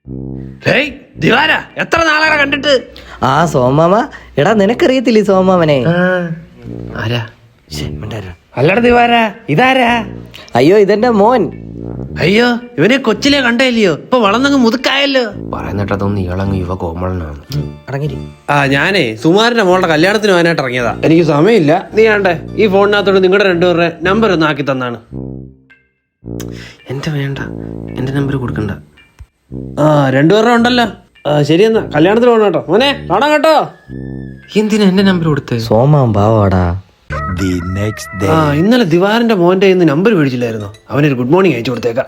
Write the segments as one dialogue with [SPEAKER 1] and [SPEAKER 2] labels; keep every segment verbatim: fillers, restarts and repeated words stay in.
[SPEAKER 1] ദിവാര എത്ര നാളെ കണ്ടിട്ട്?
[SPEAKER 2] ആ സോമാമ, എടാ നിനക്കറിയത്തില്ലേ സോമാമനെ?
[SPEAKER 1] ആരാ? അല്ലട ദിവാര, ഇതാരാ?
[SPEAKER 2] അയ്യോ ഇതെന്റെ മോൻ.
[SPEAKER 1] അയ്യോ ഇവനെ കൊച്ചിലെ കണ്ടല്ലയോ, ഇപ്പൊ വളർന്നങ്ങ് മുതുക്കായല്ലോ.
[SPEAKER 3] പറയുന്നിട്ടതൊന്നും ഇളങ്ങ് യുവ കോമളനാണ്.
[SPEAKER 2] അടങ്ങിരി.
[SPEAKER 1] ആ ഞാനേ സുമാരന്റെ മോളുടെ കല്യാണത്തിന് പോകാനായിട്ട് ഇറങ്ങിയതാ. എനിക്ക് സമയമില്ല. നീ ആണ്ടേ ഈ ഫോണിനകത്തോട് നിങ്ങളുടെ രണ്ടുപേരുടെ നമ്പർ ഒന്ന് ആക്കി തന്നാണ്.
[SPEAKER 3] എന്റെ വേണ്ട, എന്റെ നമ്പർ കൊടുക്കണ്ട.
[SPEAKER 1] ആ രണ്ടുപേരുടെ ഉണ്ടല്ലോ. ശരിയെന്നാ കല്യാണത്തിന് പോകണം കേട്ടോ മോനെ, കാണാം കേട്ടോ.
[SPEAKER 3] എന്തിനാ എന്റെ നമ്പർ കൊടുത്തേ?
[SPEAKER 2] സോമാൻ പാവാടാ.
[SPEAKER 1] ആ ഇന്നലെ ദിവാരന്റെ മോന്റെ ഇന്ന് നമ്പർ മേടിച്ചില്ലായിരുന്നോ? അവനൊരു ഗുഡ് മോർണിംഗ് അയച്ചു കൊടുത്തേക്കാം.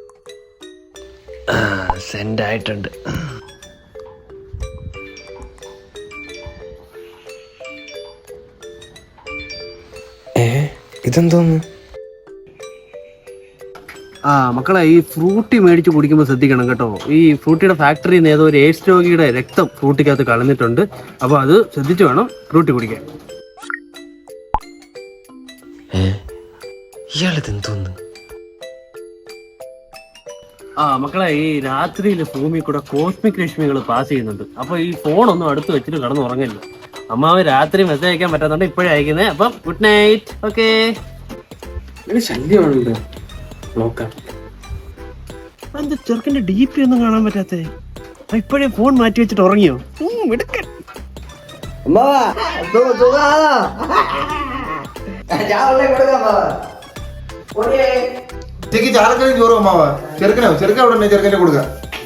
[SPEAKER 1] സെൻഡ് ആയിട്ടുണ്ട്.
[SPEAKER 3] ഏ ഇതെന്തോന്ന്?
[SPEAKER 1] ആ മക്കളെ, ഈ ഫ്രൂട്ടി മേടിച്ച് കുടിക്കുമ്പോൾ ശ്രദ്ധിക്കണം കേട്ടോ. ഈ ഫ്രൂട്ടിയുടെ ഫാക്ടറിയിൽ നിന്ന് ഏതോ ഒരു എയ്ഡ്സ് രോഗിയുടെ രക്തം ഫ്രൂട്ടിക്കകത്ത് കളഞ്ഞിട്ടുണ്ട്. അപ്പോൾ അത് ശ്രദ്ധിച്ചു വേണം ഫ്രൂട്ടി കുടിക്കാൻ.
[SPEAKER 3] ഇയാളിതെന്തോന്ന്?
[SPEAKER 1] ആ മക്കളെ, ഈ രാത്രിയിൽ ഭൂമി കൂടെ കോസ്മിക് രശ്മികൾ പാസ് ചെയ്യുന്നുണ്ട്. അപ്പൊ ഈ ഫോണൊന്നും അടുത്ത് വെച്ചിട്ട് കിടന്ന് ഉറങ്ങില്ല. അമ്മാവ് രാത്രി മെസ്സേജ് അയക്കാൻ പറ്റാത്തോണ്ട് ഇപ്പോഴേ അയക്കുന്നത്. അപ്പം ഗുഡ് നൈറ്റ്. ഓക്കെ.
[SPEAKER 3] ശല്യമാണല്ലോ. നോക്കാം.
[SPEAKER 1] എന്താ ചെറുക്കന്റെ ഡി പി ഒന്നും കാണാൻ പറ്റാത്തേ? ഇപ്പോഴേ ഫോൺ മാറ്റി വെച്ചിട്ട് ഉറങ്ങിയോ?
[SPEAKER 4] ചാലക്കറി ചോറും അമ്മാവ. ചെറുക്കനോ ചെറുക്കൻ അവിടെ ചെറുക്കനെ കൊടുക്ക.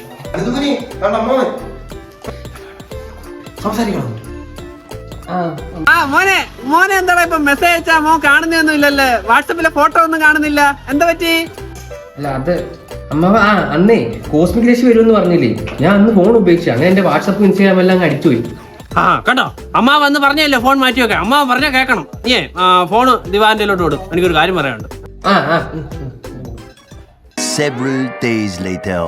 [SPEAKER 4] സംസാരിക്കണം.
[SPEAKER 1] ആ മോനെ മോനെ എന്താടാ ഇപ്പൊ മെസ്സേജ് അയച്ചാ മോൻ കാണുന്നൊന്നും ഇല്ലല്ലേ? വാട്സപ്പിലെ ഫോട്ടോ ഒന്നും കാണുന്നില്ല. എന്താ പറ്റി?
[SPEAKER 3] അല്ല അത് അമ്മാവ, ആ അന്നേ കോസ്മിക് രശ്മി വരുമെന്ന് പറഞ്ഞില്ലേ, ഞാൻ അന്ന് ഫോൺ ഉപയോഗിച്ചു. അങ്ങനെ എന്റെ വാട്സപ്പ് ഇൻസ്റ്റാഗ്രാം എല്ലാം അടിച്ചുപോയി.
[SPEAKER 1] ആ കണ്ടോ, അമ്മ വന്ന് പറഞ്ഞല്ലേ ഫോൺ മാറ്റി വെക്കാം. അമ്മ പറഞ്ഞാൽ കേൾക്കണം. ഏ ഫോണ് ദിവാന്റെയിലോട്ട് വിടും. എനിക്കൊരു കാര്യം പറയാനുണ്ട്.
[SPEAKER 3] ആ ആ
[SPEAKER 5] Several days later.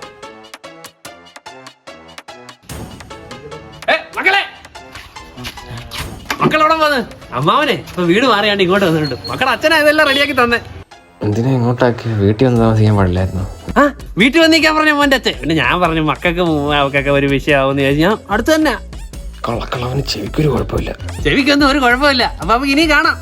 [SPEAKER 1] മക്കളെ മക്കളോടെ പോന്ന്. അമ്മാവനെ ഇപ്പൊ വീട് മാറിയാണ്ട് ഇങ്ങോട്ട് വന്നിട്ടുണ്ട്. മക്കളുടെ അച്ഛനാ ഇതെല്ലാം റെഡിയാക്കി തന്നെ.
[SPEAKER 3] എന്തിനാ ഇങ്ങോട്ടാക്കി? വീട്ടിൽ വന്ന് താമസിക്കാൻ പാടില്ലായിരുന്നു?
[SPEAKER 1] ആ വീട്ടിൽ വന്നിരിക്കാൻ പറഞ്ഞ മോന്റെ അച്ഛൻ. പിന്നെ ഞാൻ പറഞ്ഞു മക്കൾക്ക് അവക്കൊക്കെ ഒരു വിഷയമാവുന്ന ചോദിച്ചു. ഞാൻ അടുത്ത് തന്നെ.
[SPEAKER 3] കള്ളക്കളവന് ചെവിക്കൊരു കുഴപ്പമില്ല.
[SPEAKER 1] ചെവിക്കൊന്നും ഒരു കുഴപ്പമില്ല. അപ്പൊ നമുക്ക് ഇനി കാണാം.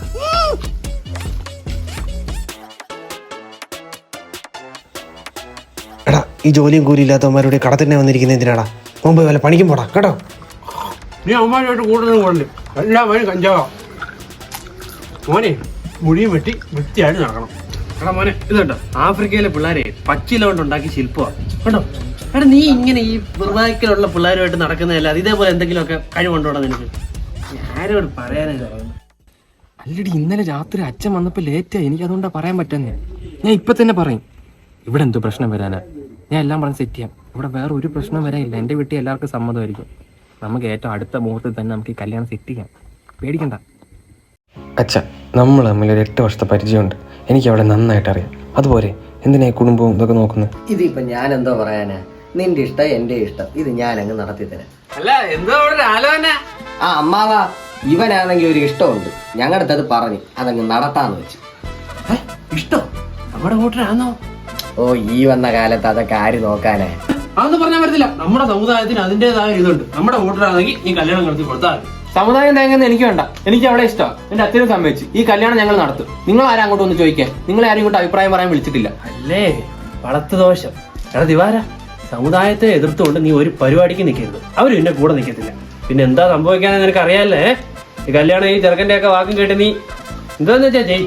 [SPEAKER 6] എടാ ഈ ജോലിയും കൂലി ഇല്ലാത്തവന്മാരുടെ കടത്തിന്നെ വന്നിരിക്കുന്ന എന്തിനാടാ? മുമ്പ് വല്ല പണിക്കും പോടാ കേട്ടോ.
[SPEAKER 1] നീ അമ്മമാരുമായിട്ട് കൂടുതലും കൊണ്ട് എല്ലാം വഴി കഞ്ചാവാ. മോനെ മുടിയും വെട്ടി വൃത്തിയായിട്ട് നടക്കണം. എടാ മോനെ ഇത് കേട്ടോ, ആഫ്രിക്കയിലെ പിള്ളേരെ പച്ചില കൊണ്ട് ഉണ്ടാക്കി ശില്പമാണ് കേട്ടോ. എടാ നീ ഇങ്ങനെ ഈ വൃതാക്കിലുള്ള പിള്ളേരുമായിട്ട് നടക്കുന്നതല്ല, ഇതേപോലെ എന്തെങ്കിലുമൊക്കെ കഴിവുണ്ടോടാ നിനക്ക്? ആരോട് പറയാനായിട്ട് പറയുന്നത്?
[SPEAKER 3] അല്ലടി, ഇന്നലെ രാത്രി അച്ഛൻ വന്നപ്പോ ലേറ്റായി. എനിക്ക് അതുകൊണ്ടാ പറയാൻ പറ്റുന്നേ. ഞാൻ ഇപ്പൊ തന്നെ പറയും. ഇവിടെ എന്തോ പ്രശ്നം വരാനാ? ഞാൻ എല്ലാം പറഞ്ഞ് സെറ്റ് ചെയ്യാം. ഇവിടെ വേറെ ഒരു പ്രശ്നം വരാനില്ല. എൻ്റെ വീട്ടിൽ എല്ലാവർക്കും സമ്മതമായിരിക്കും. നമുക്ക് ഏറ്റവും അടുത്ത മുഹൂർത്തത്തിൽ തന്നെ നമുക്ക് ഈ കല്യാണം സെറ്റ് ചെയ്യാം. പേടിക്കണ്ട. അച്ഛ, നമ്മൾ തമ്മിൽ ഒരു എട്ട് വർഷത്തെ പരിചയമുണ്ട്. എനിക്ക് അവിടെ നന്നായിട്ട് അറിയാം. അതുപോലെ എന്തിനാ ഈ കുടുംബവും ഇതൊക്കെ നോക്കുന്നത്?
[SPEAKER 2] ഇതിപ്പോ ഞാൻ എന്തോ പറയാനാ? നിന്റെ ഇഷ്ടം എന്റെ ഇഷ്ടം, ഇത് ഞാൻ അങ്ങ് നടത്തി തരാം.
[SPEAKER 1] അല്ല എന്തോ ഒരു ആലോചന.
[SPEAKER 2] ആ അമ്മാവാ, ഇവനാണെങ്കിൽ ഒരു ഇഷ്ടമുണ്ട്. ഞങ്ങളുടെ അത് പറഞ്ഞു അതങ്ങ് നടത്താന്ന് വെച്ചു.
[SPEAKER 1] ഇഷ്ടം നമ്മുടെ കൂട്ടരാണോ?
[SPEAKER 2] ഓ ഈ വന്ന കാലത്ത് അതൊക്കെ ആര് നോക്കാനേ?
[SPEAKER 1] അതൊന്നും പറഞ്ഞാൽ പറ്റത്തില്ല. നമ്മുടെ സമുദായത്തിന് അതിൻ്റെതായ ഇതുണ്ട്. നമ്മുടെ കൂട്ടരാണെങ്കിൽ ഈ കല്യാണം നടത്തി കൊടുത്താൽ
[SPEAKER 3] സമുദായം തേങ്ങുന്നത് എനിക്ക് വേണ്ട. എനിക്ക് അവിടെ ഇഷ്ടമാണ്. എന്റെ അച്ഛനും സമ്മതിച്ചു. ഈ കല്യാണം ഞങ്ങൾ നടത്തും. നിങ്ങൾ ആരും അങ്ങോട്ട് ഒന്ന് ചോദിക്കാൻ, നിങ്ങൾ ആരും ഇങ്ങോട്ട് അഭിപ്രായം പറയാൻ വിളിച്ചിട്ടില്ല.
[SPEAKER 1] അല്ലേ വളർത്തു ദോഷം. എടാ ദിവാര, സമുദായത്തെ എതിർത്തുകൊണ്ട് നീ ഒരു പരിപാടിക്ക് നിൽക്കരുത്. അവരും എന്നെ കൂടെ നിൽക്കത്തില്ല. പിന്നെ എന്താ സംഭവിക്കാന്ന് നിനക്ക് അറിയാല്ലേ? ഈ കല്യാണം ഈ ചെറുക്കൻ്റെ ഒക്കെ വാക്കും കേട്ട് നീ എന്താന്ന് വെച്ചാ ചെയ്.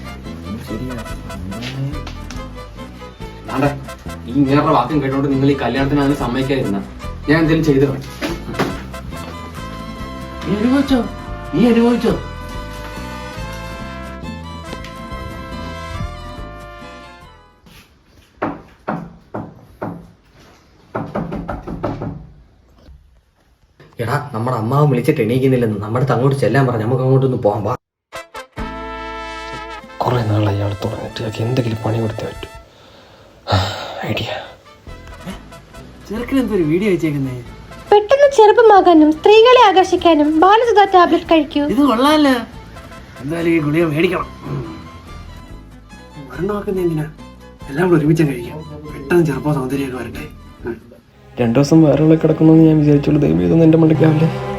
[SPEAKER 3] ഈ ഇങ്ങനെ വാക്കും കേട്ടോണ്ട് നിങ്ങൾ ഈ കല്യാണത്തിന് അതിന് സമ്മതിക്കാതിരുന്ന ഞാൻ എന്തെങ്കിലും ചെയ്തു വേണം.
[SPEAKER 1] നീ അനുഭവിച്ചോ? നീ അനുഭവിച്ചോ?
[SPEAKER 2] എടാ നമ്മുടെ അമ്മാവൻ വിളിച്ചിട്ട് എണീക്കുന്നില്ലെന്ന്. നമ്മുടെ അങ്ങോട്ട് ചെല്ലാൻ പറഞ്ഞു. നമുക്ക് അങ്ങോട്ടൊന്ന് പോകാൻ പാ.
[SPEAKER 3] കുറെ നാളെ അയാൾ തുടങ്ങിയിട്ട് എന്തെങ്കിലും പണി കൊടുത്തേ പറ്റൂ. ഐഡിയ.
[SPEAKER 1] ചെറുക്കൻ എന്തൊരു വീഡിയോ വെച്ചേക്കുന്നേ?
[SPEAKER 7] പെട്ടെന്ന് ചെറുപ്പമാകാനും സ്ത്രീകളെ ആകർഷിക്കാനും ബാലസുധ ടാബ്ലറ്റ് കഴിക്കൂ.
[SPEAKER 1] ഇത് കൊള്ളാല്ല. എന്തായാലും ഈ ഗുളിക മേടിക്കണം. മരണമാക്കുന്ന എന്തിനാ? എല്ലാം കൂടെ ഒരുമിച്ച് കഴിക്കാം. പെട്ടെന്ന് ചെറുപ്പം സൗന്ദര്യമൊക്കെ വരട്ടെ.
[SPEAKER 3] രണ്ടു ദിവസം വേറെ കിടക്കണമെന്ന് ഞാൻ വിചാരിച്ചുള്ളൂ. ദൈവം ഇതൊന്നും എൻ്റെ മണ്ടയ്ക്കാവില്ലേ.